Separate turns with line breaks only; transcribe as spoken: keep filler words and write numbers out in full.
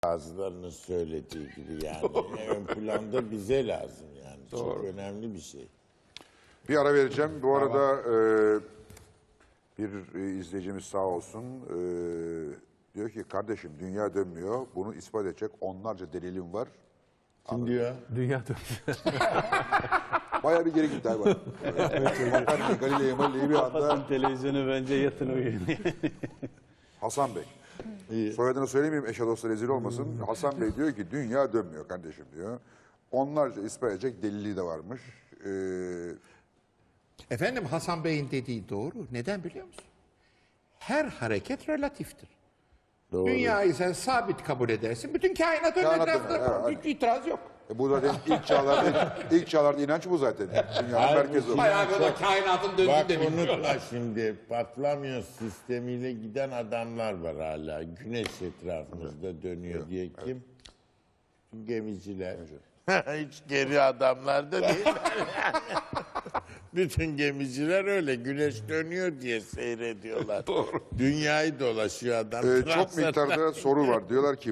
Bazılarının söylediği gibi yani. Ön planda bize lazım yani. Çok önemli bir şey.
Bir ara vereceğim. Bu arada e, bir e, izleyicimiz sağ olsun e, diyor ki kardeşim dünya dönmüyor. Bunu ispat edecek onlarca delilim var.
Kim diyor?
Dünya dönüyor.
Bayağı bir geri gitti abi. Bakan Galileo Galilei bir anda
Kapatın televizyonu bence yatın uyuyun.
Hasan Bey. Soyadını söylemeyeyim eşe dosta rezil olmasın. Hasan Bey diyor ki dünya dönmüyor kardeşim diyor. Onlarca ispat edecek delili de varmış. Ee,
Efendim Hasan Bey'in dediği doğru. Neden biliyor musun? Her hareket relatiftir.
Doğru.
Dünyayı sen sabit kabul edersin. Bütün kainat onun
Kainat
etrafında.
dönüyor, ha,
Hiç itiraz yok.
e bu zaten ilk çağlarda ilk çağlarda inanç bu zaten. Dünyanın
Hayır,
merkezi o.
Bayağı bir o da kainatın döndüğünü
Bak
de bilmiyor.
unutma şimdi patlamıyor sistemiyle giden adamlar var hala. Güneş etrafımızda dönüyor diye kim? Gemiciler. Hiç geri adamlar da değil. Bütün gemiciler öyle güneş dönüyor diye seyrediyorlar. Dünyayı dolaşıyor adam.
Ee, çok
Transatlantik.
miktarda soru var. Diyorlar ki